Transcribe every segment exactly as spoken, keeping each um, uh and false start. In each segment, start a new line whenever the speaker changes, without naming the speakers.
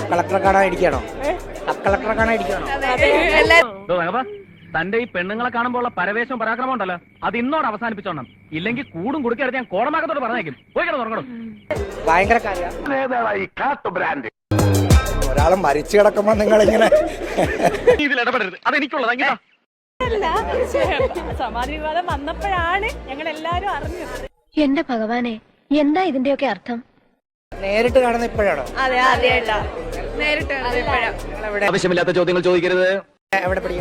Sub കളക്ടറെ കാണാൻ ഇരിക്കണോ? സബ് കളക്ടറെ കാണാൻ ഇരിക്കണോ?
തന്റെ ഈ പെണ്ണുങ്ങളെ കാണുമ്പോൾ ഉള്ള പരവേശവും പരാക്രമം ഉണ്ടല്ലോ, അത് ഇന്നോട് അവസാനിപ്പിച്ചോണം. ഇല്ലെങ്കിൽ കൂടും കുടുക്കെടുത്ത് ഞാൻ കോടമാകത്തോട് പറഞ്ഞേക്കും. പോയി കിടന്നു തുടങ്ങണം.
ഭയങ്കര ഒരാൾ മരിച്ചു കിടക്കുമ്പോ നിങ്ങൾ ഇങ്ങനെ
ഇതിൽ ഇടപെടരുത്, അതെനിക്കുള്ളതാ.
സമാധി വിവാദം വന്നപ്പോഴാണ് ഞങ്ങൾ എല്ലാരും അറിഞ്ഞത്.
എന്റെ ഭഗവാനെ, എന്താ ഇതിന്റെയൊക്കെ അർത്ഥം?
നേരിട്ട് കാണുന്ന ഇപ്പോഴാണോ?
അതെ ആദ്യമായിട്ടാ നേരിട്ട്
ആവശ്യമില്ലാത്ത ചോദ്യങ്ങൾ ചോദിക്കരുത്.
എവിടെ പഠിക്കും?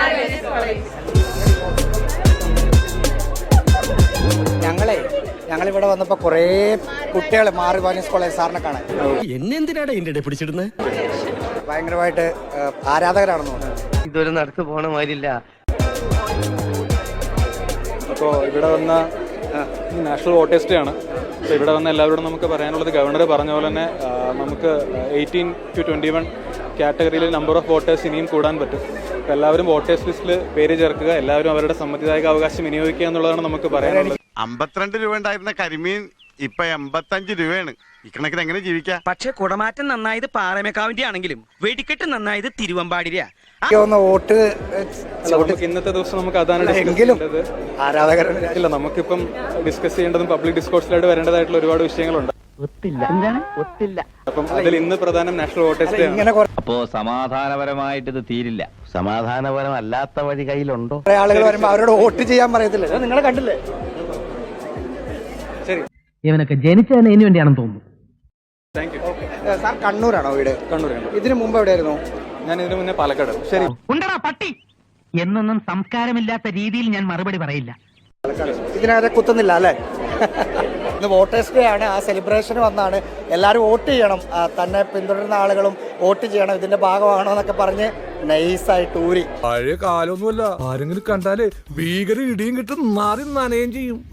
ഞങ്ങളെ ഞങ്ങളിവിടെ വന്നപ്പോ കൊറേ കുട്ടികളെ മാറി വാനിയസ് കോളേജ് സാറിനെ കാണാൻ.
എന്നെന്തിനാണ് ഇതിന്റെ പിടിച്ചിടുന്നത്?
ഭയങ്കരമായിട്ട് ആരാധകരാണെന്ന് തോന്നുന്നു.
ഇതൊരു നടത്തു പോണ മാതിരില്ല.
അപ്പോൾ ഇവിടെ വന്ന നാഷണൽ വോട്ടേഴ്സ് ഡേ ആണ്. അപ്പോൾ ഇവിടെ വന്ന എല്ലാവരോടും നമുക്ക് പറയാനുള്ളത്, ഗവർണർ പറഞ്ഞ പോലെ തന്നെ നമുക്ക് എയ്റ്റീൻ ടു ട്വൻറ്റി വൺ കാറ്റഗറിയിൽ നമ്പർ ഓഫ് വോട്ടേഴ്സ് ഇനിയും കൂടാൻ പറ്റും. അപ്പോൾ എല്ലാവരും വോട്ടേഴ്സ് ലിസ്റ്റിൽ പേര് ചേർക്കുക, എല്ലാവരും അവരുടെ സമ്മതിദായക അവകാശം വിനിയോഗിക്കുക എന്നുള്ളതാണ് നമുക്ക് പറയാനുള്ളത്.
അമ്പത്തിരണ്ട് രൂപ ഉണ്ടായിരുന്ന കരിമീൻ ഇപ്പൊ എൺപത്തഞ്ച് രൂപയാണ്. ഇക്കണക്കിന് എങ്ങനെ ജീവിക്കാം?
പക്ഷെ കുടമാറ്റം നന്നായത് പാറമേക്കാവിന്റെ ആണെങ്കിലും വെടിക്കെട്ട് നന്നായത് തിരുവമ്പാടിര.
വോട്ട്
നമുക്ക് ഇന്നത്തെ ദിവസം നമുക്ക് അതാണ് ആരാധകരില്ല. നമുക്കിപ്പം ഡിസ്കസ് ചെയ്യേണ്ടതും പബ്ലിക് ഡിസ്കോഴ്സിലായിട്ട് വരേണ്ടതായിട്ടുള്ള ഒരുപാട് വിഷയങ്ങളുണ്ട്. അപ്പം അതിൽ ഇന്ന് പ്രധാനം നാഷണൽ വോട്ടേഴ്സ് ഡേ ആണ്.
അപ്പോ സമാധാനപരമായിട്ട് ഇത് തീരില്ല.
സമാധാനപരമല്ലാത്ത വഴി കയ്യിലുണ്ടോ?
കുറെ ആളുകൾ വരുമ്പോ അവരോട് വോട്ട് ചെയ്യാൻ പറയത്തില്ല. നിങ്ങൾ കണ്ടില്ലേ?
ശരി,
ഇവനൊക്കെ ജനിച്ചതിന് ഇനി വേണ്ടിയാണെന്ന് തോന്നുന്നു.
Thank you.
സാർ കണ്ണൂരാണോ വീട്?
കണ്ണൂരാണ്.
ഇതിനു മുമ്പ് എവിടെയായിരുന്നു?
ഞാൻ ഇതിനു മുന്നേ പാലക്കാട്. ശരി,
ഉണ്ടടാ പട്ടി എന്നൊന്നും സംസ്കാരമില്ലാത്ത രീതിയിൽ ഞാൻ മറുപടി പറയില്ല.
ഇതിനകത്ത് കുത്തുന്നില്ല അല്ലേ? ഇന്ന് വോട്ടേഴ്സ് ഡേ ആണ്. ആ സെലിബ്രേഷന് വന്നാണ്. എല്ലാവരും വോട്ട് ചെയ്യണം, തന്നെ പിന്തുടരുന്ന ആളുകളും വോട്ട് ചെയ്യണം, ഇതിന്റെ ഭാഗമാണോ എന്നൊക്കെ പറഞ്ഞ് നൈസായിട്ട് ഊരി.
പഴയ കാലമൊന്നുമല്ല. ആരെങ്കിലും കണ്ടാല് ഭീകര ഇടിയും കിട്ടും, മാറി നനയും ചെയ്യും.